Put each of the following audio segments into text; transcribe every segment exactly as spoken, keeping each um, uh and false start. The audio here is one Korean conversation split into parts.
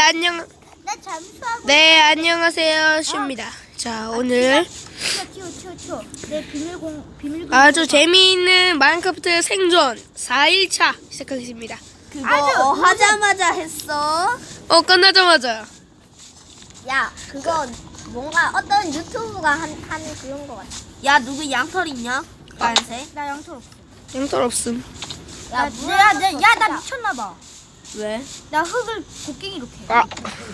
안녕. 나 잠수하고. 네, 안녕하세요. 슈입니다. 자, 오늘 튀어 튀어 튀어. 내 비밀공 비밀공. 아주 재미있는 마인크래프트 생존 사 일차 시작하겠습니다. 그거 아주 어, 하자마자 했어. 어, 끝나자마자. 야, 그건 뭔가 어떤 유튜브가 한, 하는 그런 거 같아. 야 누구 양털 있냐? 빨간색? 나 양털 없어. 양털 없음. 야, 야, 야, 야, 나 미쳤나봐. 왜? 나 흙을 곡괭이로 캐. 아.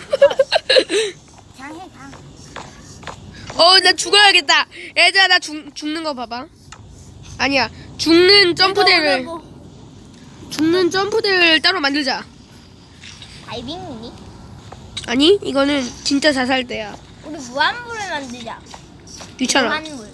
그냥 해, 그냥. 어, 나 죽어야겠다. 얘들아, 나 죽, 죽는 거 봐봐. 아니야. 죽는 점프대를, 죽는 점프대를 따로 만들자. 다이빙 미니? 아니, 이거는 진짜 자살대야. 우리 무한물을 만들자. 귀찮아. 무한물.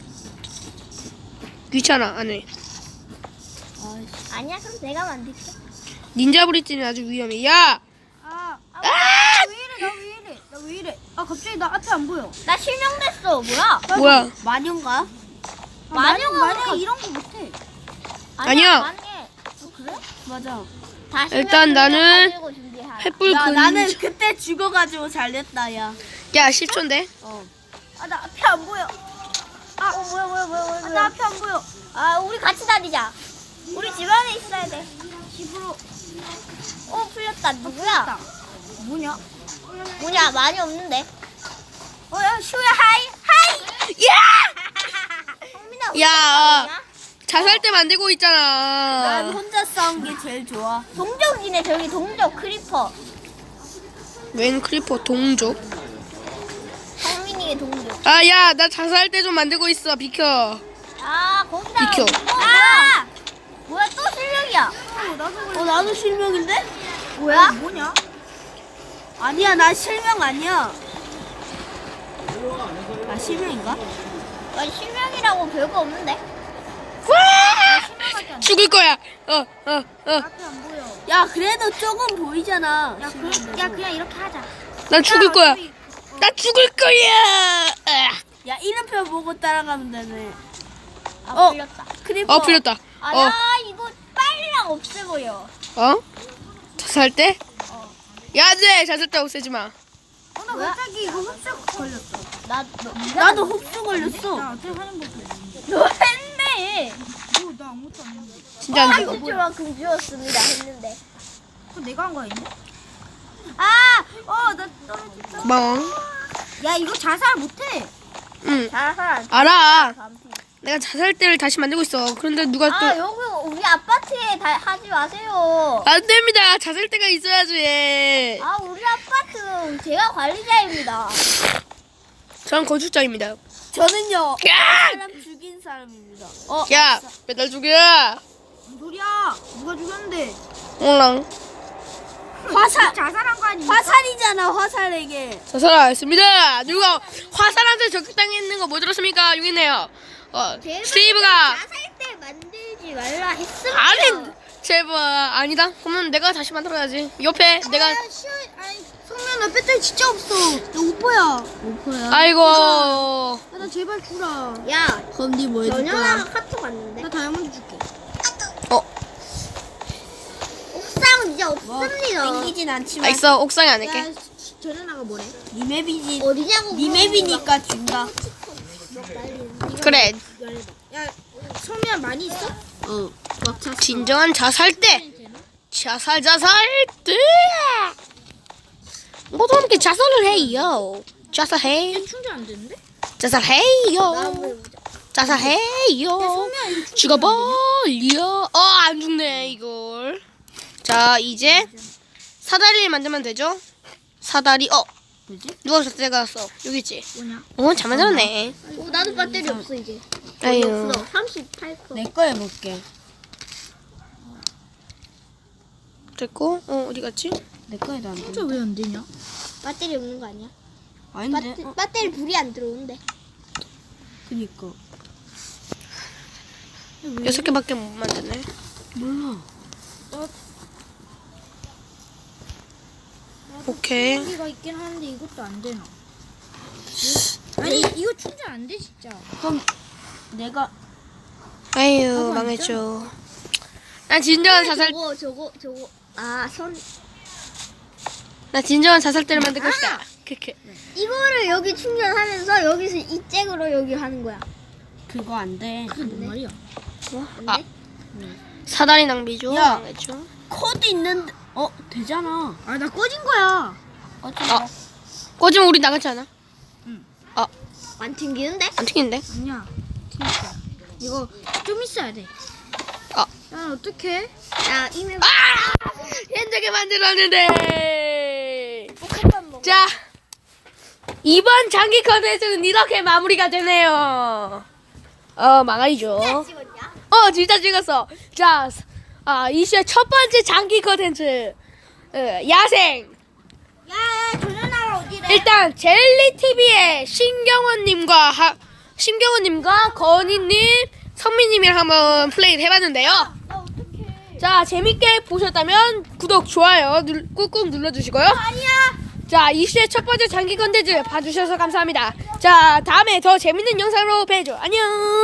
귀찮아, 안 해. 아니야, 그럼 내가 만들게. 닌자 브릿지는 아주 위험해. 야! 아, 아, 아! 왜 이래? 나 왜 이래? 나 왜 이래? 아, 갑자기 나 앞에 안 보여. 나 실명됐어. 뭐야? 뭐야? 마녀인가? 아, 마녀가 마녀 그러니까- 이런 거 못해. 아니야. 만약에 어, 그래? 맞아. 다시 일단 나는 횃불 야, 근. 나는 그때 죽어가지고 잘 됐다, 야. 야, 십 초인데? 어. 아, 나 앞에 안 보여. 아, 어, 뭐야, 뭐야, 뭐야, 뭐야. 아, 나 앞에 안 보여. 아, 우리 같이 다니자. 우리 집 안에 있어야 돼. 집으로. 어, 풀렸다. 누구야? 뭐냐? 뭐냐, 많이 없는데. 어, 야, 슈야, 하이, 하이. 야! 성민아, 야! 어디야? 자살대 만들고 난 있잖아. 혼자 싸운 게 제일 좋아. 동족이네, 저기 동족 크리퍼. 웬 크리퍼 동족? 성민이의 동족. 아, 야, 나 자살대 좀 만들고 있어. 비켜. 아, 거기다. 비켜. 어, 뭐야? 뭐야, 또 실력이야. 어, 나도 실명인데? 뭐야? 뭐냐? 아니야, 나 실명 아니야. 아, 실명인가? 난 실력이라고 별거 없는데. 와! 죽을 거야. 어, 어, 어. 앞에 안 보여. 야, 그래도 조금 보이잖아. 야, 그, 야 그냥 이렇게 하자. 난 죽을 거야. 나 죽을 거야. 야, 이름표 보고 따라가면 되네. 아, 어. 풀렸다. 크리퍼. 어, 풀렸다. 아, 어, 야, 이거 빨리랑 없애버려. 어? 자살대? 야, 네, 자살대 없애지 마. 어, 나 갑자기 이거 흡수 걸렸어. 나, 너, 나도 흡수 걸렸어. 너 했네. 나 아무것도 안 했는데. 진짜 안 죽어. 한줄만큼 주었습니다 했는데. 그거 내가 한 거 아닌데? 아! 어, 나 떨어졌어. 멍. 야, 이거 자살 못해. 응, 자살. 알아. 내가 자살대를 다시 만들고 있어. 그런데 누가 아, 또. 여기 우리 아파트에 다 하지 마세요. 안 됩니다. 자살대가 있어야지. 아, 우리 아파트 제가 관리자입니다. 전 건축자입니다. 저는요. 야! 사람 죽인 사람입니다. 어, 야, 맨날 죽여. 무슨 소리야? 누가 죽였는데? 옹랑. 화살. 자살한 거 아니야? 화살이잖아, 화살에게. 자살했습니다. 누가 화살한테 적당했는 거 못 들었습니까? 여기 있네요. 어, 스티브가. 자살 때 만들지 말라 했습니다. 아니, 제발. 아니다. 그러면 내가 다시 만들어야지. 옆에 내가. 성면 나 배터리 진짜 없어. 나 오퍼야. 오퍼야. 아이고. 야, 나 제발 주라. 야, 그럼 니뭐 해줄 전현아가 카톡 왔는데. 나 다이아몬드 줄게. 어, 옥상은 이제 없습니다. 땡기진 않지만. 알겠어. 옥상에 안 할게. 전현아가 뭐래? 니 맵이지. 어디냐고. 니 맵이니까 준다. 그래. 야, 성면 많이 있어? 어. 막 찼어. 진정한 자살대. 자살, 자살대. 모두 함께 자살을 해요. 자살해. 충전 안 되는데? 자살해요. 자살해요. 죽어버려. 어, 안 죽네, 이걸. 자, 이제 사다리를 만들면 되죠? 사다리, 어. 뭐지? 누가 저때 갔어? 여기 있지? 뭐냐? 어, 잘 만들었네. 어, 나도 배터리 없어 이제. 아유. 없어. 삼십팔 퍼센트. 내 거 해볼게. 됐고, 어, 어디 갔지? 내 거 해도 안 돼. 진짜 왜 안 되냐? 배터리 없는 거 아니야? 아닌데? 배터, 어, 배터리 불이 안 들어오는데. 그니까. 여섯 개밖에 못 만드네. 몰라. 오케이. 여기가 있긴 하는데 이것도 안 되나? 아니 이거 충전 안 돼 진짜. 그럼 내가 아유, 망했죠. 난 진정한 자살. 저거 저거 저거 아 선 나 진정한 자살대를 만들 것이다. 크크. 이거를 여기 충전하면서 여기서 이 잭으로 여기 하는 거야. 그거 안 돼. 그게 뭔 말이야? 뭐? 안 아. 돼? 사다리 낭비죠. 야. 망했죠. 코드 있는데 어 되잖아. 아 나 꺼진 거야. 어쩌 아. 꺼지면 우리 나가지 않아? 안 튕기는데? 안 튕긴데? 아니야. 진짜. 이거 좀 있어야 돼. 아. 야 어떡해? 야, 이메일 아! 힘들게 만들었는데. 복합한 거. 자, 이번 장기 컨텐츠는 이렇게 마무리가 되네요. 어, 망하이죠. 찍었냐? 어, 진짜 찍었어. 자, 아, 이 시의 첫 번째 장기 컨텐츠. 어, 야생. 야야 조련아가 어디래? 일단 젤리티비의 신경원님과 하, 신경원님과 건희님, 성민님이랑 한번 플레이를 해봤는데요. 나 어떡해. 자, 재밌게 보셨다면 구독, 좋아요 눌, 꾹꾹 눌러주시고요. 아니야. 자, 이슈의 첫 번째 장기 컨텐츠 봐주셔서 감사합니다. 자, 다음에 더 재밌는 영상으로 뵈죠. 안녕.